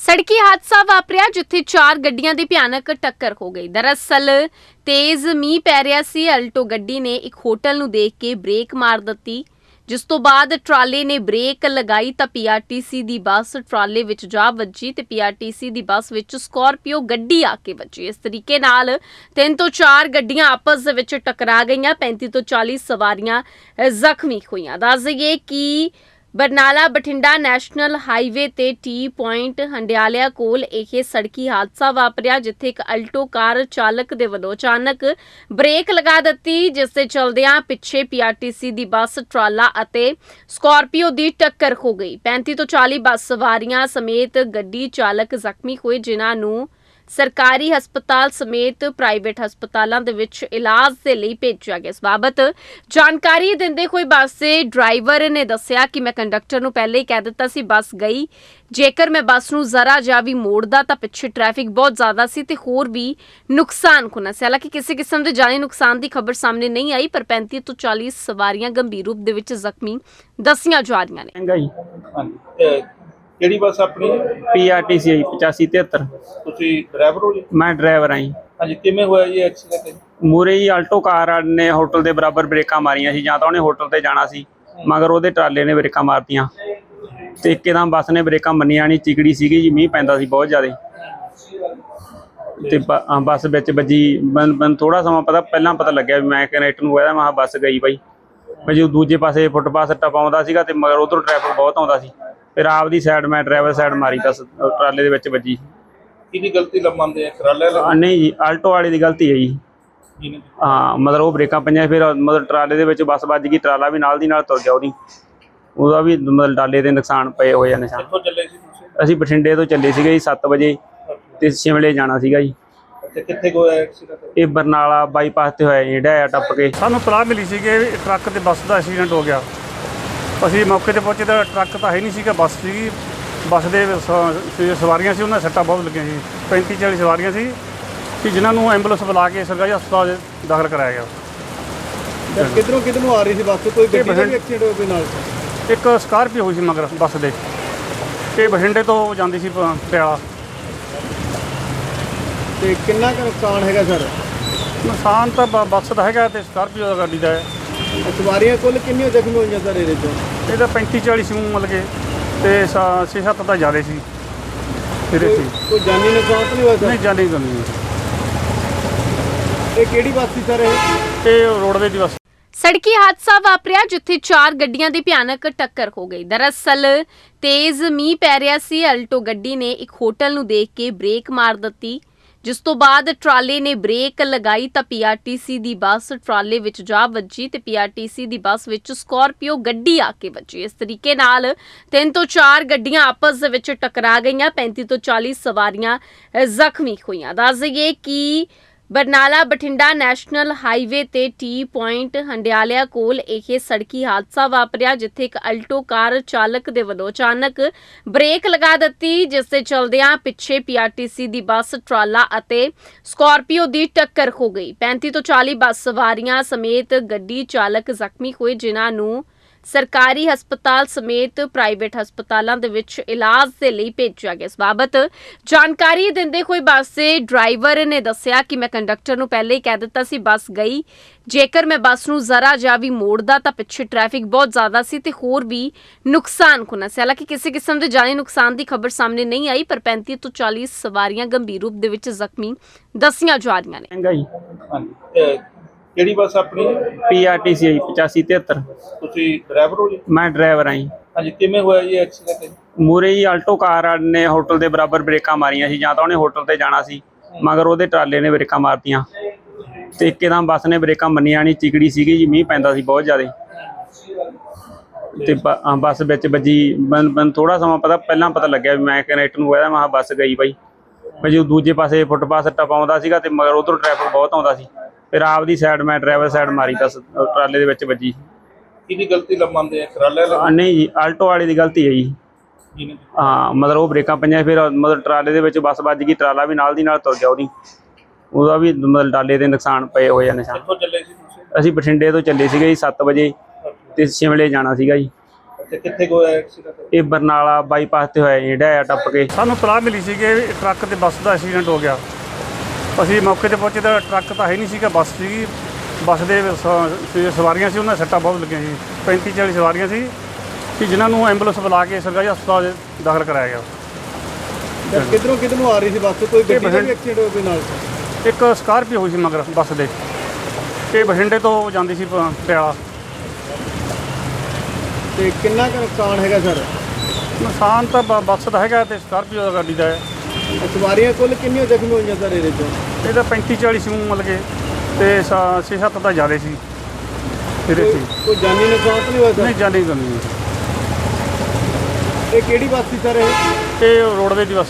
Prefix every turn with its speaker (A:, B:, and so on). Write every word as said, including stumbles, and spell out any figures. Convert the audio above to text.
A: सड़की हादसा वापरिया जिथे चार गड्डियां दी भयानक टक्कर हो गई। दरअसल तेज मींह पै रिहा सी। अल्टो गड्डी ने एक होटल नूं देख के ब्रेक मार दित्ती, जिस तो बाद ट्राले ने ब्रेक लगाई तां पीआरटीसी दी बस ट्राले विच जा वजी ते पीआरटीसी दी बस विच स्कॉर्पियो गड्डी आके वजी। इस तरीके नाल तीन तो चार गड्डियां आपस दे विच टकरा गईयां। पैंती तो चाली सवारियां जख्मी होईयां। दस दईए कि बरनाला बठिंडा नैशनल हाईवे ते टी पॉइंट हंडियालिया कोल यह सड़की हादसा वापरिया, जिथे एक अल्टो कार चालक दे वल्लों अचानक ब्रेक लगा दित्ती, जिस दे चलदियां पिछे पीआरटीसी दी बस ट्राला अते स्कॉर्पियो दी टक्कर हो गई। पैंती तो चाली बस सवारियां समेत गड्डी चालक जख्मी होए, जिन्हां नूं सरकारी हस्पताल समेत प्राइवेट हस्पतालों के विच इलाज के लिए भेजा गया। इस बाबत जानकारी देंदे हुए बस के ड्राइवर ने दस्सिया कि मैं कंडक्टर नूं पहले ही कह दिता सी बस गई, जेकर मैं बस नूं जरा जा भी मोड़दा तां पिछे ट्रैफिक बहुत ज़्यादा सी ते होर भी नुकसान होना सी। हालांकि किसी किस्म के जानी नुकसान की खबर सामने नहीं आई, पर पैंती तो चालीस सवारियां गंभीर रूप दे विच जख्मी दसियां जा रहीआं ने।
B: ਕਿਹੜੀ ਬੱਸ ਆਪਣੀ?
C: पीआरटीसी पचासी तिहत्तर।
B: ਤੁਸੀਂ ਡਰਾਈਵਰ ਹੋ ਜੀ?
C: मैं ड्राइवर हाँ जी।
B: ਹਾਂਜੀ, ਕਿਵੇਂ ਹੋਇਆ ਜੀ ਐਕਸੀਡੈਂਟ?
C: ਮੂਰੇ ਹੀ ਆਲਟੋ ਕਾਰ ਨੇ ਹੋਟਲ ਦੇ ਬਰਾਬਰ ਬ੍ਰੇਕਾਂ ਮਾਰੀਆਂ ਸੀ। ਜਾਂ ਤਾਂ ਉਹਨੇ ਹੋਟਲ ਤੇ ਜਾਣਾ ਸੀ, ਮਗਰ ਉਹਦੇ ਟਰਾਲੇ ਨੇ ਬ੍ਰੇਕਾਂ ਮਾਰਤੀਆਂ ਤੇ ਇੱਕਦਮ ਬੱਸ ਨੇ ਬ੍ਰੇਕਾਂ ਮੰਨੀਆਂ ਨਹੀਂ। ਚਿਕੜੀ ਸੀਗੀ ਜੀ, ਮੀਂਹ ਪੈਂਦਾ ਸੀ ਬਹੁਤ ਜ਼ਿਆਦਾ ਤੇ ਬੱਸ ਵਿੱਚ ਵੱਜੀ। ਮੈਨੂੰ ਥੋੜਾ ਸਮਾਂ ਪਤਾ ਪਹਿਲਾਂ ਪਤਾ ਲੱਗਿਆ ਵੀ ਮੈਂ ਕਨੈਕਟਰ ਨੂੰ ਕਹਿੰਦਾ ਮੈਂ ਬੱਸ ਗਈ ਬਾਈ। ਭਾਜੀ ਦੂਜੇ ਪਾਸੇ ਫੁੱਟਪਾਥ ਟਪਾਉਂਦਾ ਸੀਗਾ ਤੇ ਮਗਰ ਉਧਰੋਂ ਟ੍ਰੈਫਿਕ ਬਹੁਤ ਆਉਂਦਾ ਸੀ। ਫਿਰ ਆਪਦੀ ਸਾਈਡ ਮੈਂ ਡਰਾਈਵਰ ਸਾਈਡ ਮਾਰੀ ਤਾਂ ਟਰਾਲੇ ਦੇ ਵਿੱਚ ਵੱਜੀ।
B: ਕਿਹਦੀ ਗਲਤੀ ਮੰਨਦੇ ਆ? ਟਰਾਲੇ ਵਾਲੇ?
C: ਨਹੀਂ ਜੀ, ਆਲਟੋ ਵਾਲੇ ਦੀ ਗਲਤੀ ਹੈ ਜੀ। ਹਾਂ, ਮਤਲਬ ਉਹ ਬ੍ਰੇਕਾਂ ਪਈਆਂ, ਫਿਰ ਮਤਲਬ ਟਰਾਲੇ ਦੇ ਵਿੱਚ ਬੱਸ ਵੱਜ ਗਈ। ਟਰਾਲਾ ਵੀ ਨਾਲ ਦੀ ਨਾਲ ਤੁਰ ਗਿਆ। ਉਹਦੀ ਉਹਦਾ ਵੀ ਮਤਲਬ ਟਰਾਲੇ ਦੇ ਨੁਕਸਾਨ ਪਏ ਹੋਏ ਆ ਨਿਸ਼ਾਨ।
B: ਕਿੱਥੋਂ ਚੱਲੇ ਸੀ ਤੁਸੀਂ?
C: ਅਸੀਂ ਬਠਿੰਡੇ ਤੋਂ ਚੱਲੇ ਸੀਗੇ ਜੀ ਸੱਤ ਵਜੇ ਤੇ ਸ਼ਿਮਲੇ ਜਾਣਾ ਸੀਗਾ ਜੀ।
B: ਅੱਛਾ, ਕਿੱਥੇ ਹੋਇਆ ਐਕਸੀਡੈਂਟ?
C: ਇਹ ਬਰਨਾਲਾ ਬਾਈਪਾਸ ਤੇ ਹੋਇਆ ਜੀ, ਢਾਇਆ ਟੱਪ ਕੇ।
D: ਸਾਨੂੰ ਤਲਾਹ ਮਿਲੀ ਸੀ ਕਿ ਟਰੱਕ ਤੇ ਬੱਸ ਦਾ ਐਕਸੀਡੈਂਟ ਹੋ ਗਿਆ। ਅਸੀਂ ਮੌਕੇ ਤੇ ਪਹੁੰਚੇ ਤਾਂ ਟਰੱਕ ਤਾਂ ਹੈ ਨਹੀਂ ਸੀਗਾ, ਬੱਸ ਸੀਗੀ। ਬੱਸ ਦੇ ਸਵਾਰੀਆਂ ਸੀ, ਉਹਨਾਂ ਸੱਟਾਂ ਬਹੁਤ ਲੱਗੀਆਂ ਸੀ। ਪੈਂਤੀ ਚਾਲੀ ਸਵਾਰੀਆਂ ਸੀ ਕਿ ਜਿਨ੍ਹਾਂ ਨੂੰ ਐਂਬੂਲੈਂਸ ਬੁਲਾ ਕੇ ਸਰਕਾਰੀ ਹਸਪਤਾਲ ਦਾਖਲ ਕਰਾਇਆ ਗਿਆ।
E: ਕਿੱਧਰੋਂ ਕਿੱਧਰੋਂ ਆ ਰਹੀ ਸੀ ਬੱਸ? ਕੋਈ ਗੱਡੀ ਦਾ ਵੀ ਐਕਸੀਡੈਂਟ ਹੋਇਆ ਕੋਈ ਨਾਲ?
D: ਇੱਕ ਸਕਾਰਪੀਓ ਹੋਈ ਸੀ ਮਗਰ ਬੱਸ ਦੇ, ਇਹ ਬਠਿੰਡੇ ਤੋਂ ਜਾਂਦੀ ਸੀ ਪਟਿਆਲਾ।
E: ਤੇ ਕਿੰਨਾ ਕੁ ਨੁਕਸਾਨ ਹੈਗਾ ਸਰ?
D: ਨੁਕਸਾਨ ਤਾਂ ਬ- ਬੱਸ ਦਾ ਹੈਗਾ ਤੇ ਸਕਾਰਪੀਓ ਦਾ ਗੱਡੀ ਦਾ ਹੈ।
E: ਸਵਾਰੀਆਂ ਕੁੱਲ ਕਿੰਨੀਆਂ ਜ਼ਖਮੀ ਹੋਈਆਂ ਸਰ ਇਹਦੇ ਚੋਂ?
D: ਇਹਦਾ ਪੈਂਤੀ ਚਾਲੀ ਸੀ ਮਤਲਬ ਕਿ, ਤੇ ਛੇ ਸੱਤ ਤਾਂ ਜ਼ਿਆਦਾ ਸੀ ਇਹਦੇ
E: ਕੋਈ
D: ਸੀ।
E: ਕੋਈ ਜਾਨੀ ਨੁਕਸਾਨ ਤਾਂ ਨਹੀਂ ਹੋਇਆ
D: ਨਹੀਂ
E: ਸਰ?
D: ਜਾਣੀ ਗੱਲ ਨਹੀਂ।
E: ਇਹ ਕਿਹੜੀ ਬੱਸ ਸੀ ਸਰ ਇਹ?
D: ਇਹ ਰੋਡਵੇਜ਼ ਦੀ ਬੱਸ।
A: सड़की हादसा वापरिया जिथे चार गड्डियां दी भयानक टक्कर हो गई। दरअसल तेज मींह पै रिहा सी। अल्टो गड्डी ने एक होटल नूं देख के ब्रेक मार दित्ती, जिस तो बाद ट्राले ने ब्रेक लगाई तां पीआरटीसी दी बस ट्राले विच जा वजी ते पीआरटीसी दी बस विच स्कॉर्पियो गड्डी आके वजी। इस तरीके नाल तीन तो चार गड्डियां आपस दे विच टकरा गईयां। पैंती तो चाली सवारियां जख्मी होईयां। दस दईए कि बरनाला बठिंडा नैशनल हाईवे ते टी पॉइंट हंडियालिया कोल यह सड़की हादसा वापरिया, जिथे एक अल्टो कार चालक दे वल्लों अचानक ब्रेक लगा दित्ती, जिस दे चलदियां पिछे पीआरटीसी दी बस ट्राला अते स्कॉर्पियो दी टक्कर हो गई। पैंती तो चाली बस सवारियां समेत गड्डी चालक जख्मी होए, जिन्हां नूं सरकारी हस्पताल समेत प्राइवेट हस्पतालों के विच इलाज के लिए भेजा गया। इस बाबत जानकारी देंदे हुए बस के ड्राइवर ने दस्सिया कि मैं कंडक्टर नूं पहले ही कह दिता सी बस गई, जेकर मैं बस नूं जरा जा भी मोड़दा तां पिछे ट्रैफिक बहुत ज़्यादा सी ते होर भी नुकसान होना सी। हालांकि किसी किस्म के जानी नुकसान की खबर सामने नहीं आई, पर पैंती तो चालीस सवारियां गंभीर रूप दे विच जख्मी दसियां जा रहीआं ने।
B: ਹਾਂਜੀ, ਕਿਹੜੀ ਬੱਸ ਆਪਣੀ?
C: पीआरटीसी पचासी तिहत्तर।
B: ਤੁਸੀਂ ਡਰਾਈਵਰ ਹੋ ਜੀ?
C: मैं ड्राइवर हाँ जी।
B: ਹਾਂਜੀ, ਕਿਵੇਂ ਹੋਇਆ ਜੀ ਐਕਸੀਡੈਂਟ?
C: ਮੂਰੇ ਹੀ ਆਲਟੋ ਕਾਰ ਨੇ ਹੋਟਲ ਦੇ ਬਰਾਬਰ ਬ੍ਰੇਕਾਂ ਮਾਰੀਆਂ ਸੀ। ਜਾਂ ਤਾਂ ਉਹਨੇ ਹੋਟਲ ਤੇ ਜਾਣਾ ਸੀ, ਮਗਰ ਉਹਦੇ ਟਰਾਲੇ ਨੇ ਬ੍ਰੇਕਾਂ ਮਾਰਤੀਆਂ ਤੇ ਇੱਕਦਮ ਬੱਸ ਨੇ ਬ੍ਰੇਕਾਂ ਮੰਨੀਆਂ ਨਹੀਂ। ਚਿਕੜੀ ਸੀਗੀ ਜੀ, ਮੀਂਹ ਪੈਂਦਾ ਸੀ ਬਹੁਤ ਜ਼ਿਆਦਾ ਤੇ ਬੱਸ ਵਿੱਚ ਵੱਜੀ। ਮੈਨੂੰ ਥੋੜਾ ਸਮਾਂ ਪਤਾ ਪਹਿਲਾਂ ਪਤਾ ਲੱਗਿਆ ਵੀ ਮੈਂ ਕਨੈਕਟਰ ਨੂੰ ਕਹਿੰਦਾ ਮੈਂ ਬੱਸ ਗਈ ਬਾਈ। ਭਾਜੀ ਦੂਜੇ ਪਾਸੇ ਫੁੱਟਪਾਥ ਟਪਾਉਂਦਾ ਸੀਗਾ ਤੇ ਮਗਰ ਉਧਰੋਂ ਟ੍ਰੈਫਿਕ ਬਹੁਤ ਆਉਂਦਾ ਸੀ। ਫਿਰ ਆਪਦੀ ਸਾਈਡ ਮੈਂ ਡਰਾਈਵਰ ਸਾਈਡ ਮਾਰੀ ਤਾਂ ਟਰਾਲੇ ਦੇ ਵਿੱਚ ਵੱਜੀ।
B: ਕਿਹਦੀ ਗਲਤੀ ਮੰਨਦੇ ਆ? ਟਰਾਲੇ ਵਾਲੇ?
C: ਨਹੀਂ ਜੀ, ਆਲਟੋ ਵਾਲੇ ਦੀ ਗਲਤੀ ਹੈ ਜੀ। ਹਾਂ, ਮਤਲਬ ਉਹ ਬ੍ਰੇਕਾਂ ਪਈਆਂ, ਫਿਰ ਮਤਲਬ ਟਰਾਲੇ ਦੇ ਵਿੱਚ ਬੱਸ ਵੱਜ ਗਈ। ਟਰਾਲਾ ਵੀ ਨਾਲ ਦੀ ਨਾਲ ਤੁਰ ਗਿਆ। ਉਹਦੀ ਉਹਦਾ ਵੀ ਮਤਲਬ ਟਰਾਲੇ ਦੇ ਨੁਕਸਾਨ ਪਏ ਹੋਏ ਆ ਨਿਸ਼ਾਨ।
B: ਕਿੱਥੋਂ ਚੱਲੇ ਸੀ ਤੁਸੀਂ?
C: ਅਸੀਂ ਬਠਿੰਡੇ ਤੋਂ ਚੱਲੇ ਸੀਗੇ ਜੀ ਸੱਤ ਵਜੇ ਤੇ ਸ਼ਿਮਲੇ ਜਾਣਾ ਸੀਗਾ ਜੀ।
B: ਤੇ ਕਿੱਥੇ ਕੁ ਹੋਇਆ ਐਕਸੀਡੈਂਟ?
C: ਇਹ ਬਰਨਾਲਾ ਬਾਈਪਾਸ ਤੇ ਹੋਇਆ ਜੀ, ਜਿਹੜਾ ਆ ਟੱਪ ਕੇ।
D: ਸਾਨੂੰ ਤਲਾਹ ਮਿਲੀ ਸੀ ਕਿ ਟਰੱਕ ਤੇ ਬੱਸ ਦਾ ਐਕਸੀਡੈਂਟ ਹੋ ਗਿਆ। ਅਸੀਂ ਮੌਕੇ ਤੇ ਪਹੁੰਚੇ ਤਾਂ ਟਰੱਕ ਤਾਂ ਹੈ ਨਹੀਂ ਸੀਗਾ, ਬੱਸ ਸੀਗੀ। ਬੱਸ ਦੇ ਸ- ਸ- ਸਵਾਰੀਆਂ ਸੀ, ਉਹਨਾਂ ਦੇ ਸੱਟਾਂ ਬਹੁਤ ਲੱਗੀਆਂ ਸੀ। ਪੈਂਤੀ ਚਾਲੀ ਸਵਾਰੀਆਂ ਸੀ ਕਿ ਜਿਨ੍ਹਾਂ ਨੂੰ ਐਂਬੂਲੈਂਸ ਬੁਲਾ ਕੇ ਸਰਕਾਰੀ ਹਸਪਤਾਲ ਦਾਖਲ ਕਰਾਇਆ ਗਿਆ।
E: ਸਰ ਕਿੱਧਰੋਂ ਕਿੱਧਰੋਂ ਆ ਰਹੀ ਸੀ ਬੱਸ? ਕੋਈ ਗੱਡੀ ਦਾ ਵੀ
D: ਬਠਿੰਡੇ-
E: ਐਕਸੀਡੈਂਟ ਹੋਇਆ ਕੋਈ ਨਾਲ?
D: ਇੱਕ ਸਕਾਰਪੀਓ ਹੋਈ ਸੀ ਮਗਰ ਬੱਸ ਦੇ। ਇਹ ਬਠਿੰਡੇ ਤੋਂ ਜਾਂਦੀ ਸੀ ਪ- ਪਟਿਆਲਾ।
E: ਤੇ ਕਿੰਨਾ ਕੁ ਨੁਕਸਾਨ ਹੈਗਾ ਸਰ?
D: ਨੁਕਸਾਨ ਤਾਂ ਬ- ਬੱਸ ਦਾ ਹੈਗਾ ਤੇ ਸਕਾਰਪੀਓ ਦਾ ਗੱਡੀ ਦਾ ਹੈ।
E: ਸਵਾਰੀਆਂ ਕੁੱਲ ਕਿੰਨੀਆਂ ਜ਼ਖਮੀ ਹੋਈਆਂ ਸਰ ਇਹਦੇ ਚੋਂ?
D: ਇਹ ਤਾਂ ਪੈਂਤੀ ਚਾਲੀ ਸੀ ਮਤਲਬ ਕਿ, ਤੇ ਛੇ ਸੱਤ ਤਾਂ ਜ਼ਿਆਦਾ ਸੀ ਇਹਦੇ
E: ਕੋਈ
D: ਸੀ।
E: ਕੋਈ ਜਾਨੀ ਨੁਕਸਾਨ ਤਾਂ ਨਹੀਂ ਹੋਇਆ
D: ਨਹੀਂ
E: ਸਰ?
D: ਜਾਣੀ ਕਰਨੀ
E: ਇਹ ਕਿਹੜੀ ਬੱਸ ਸੀ ਸਰ ਇਹ?
D: ਇਹ ਰੋਡਵੇਜ਼ ਦੀ ਬੱਸ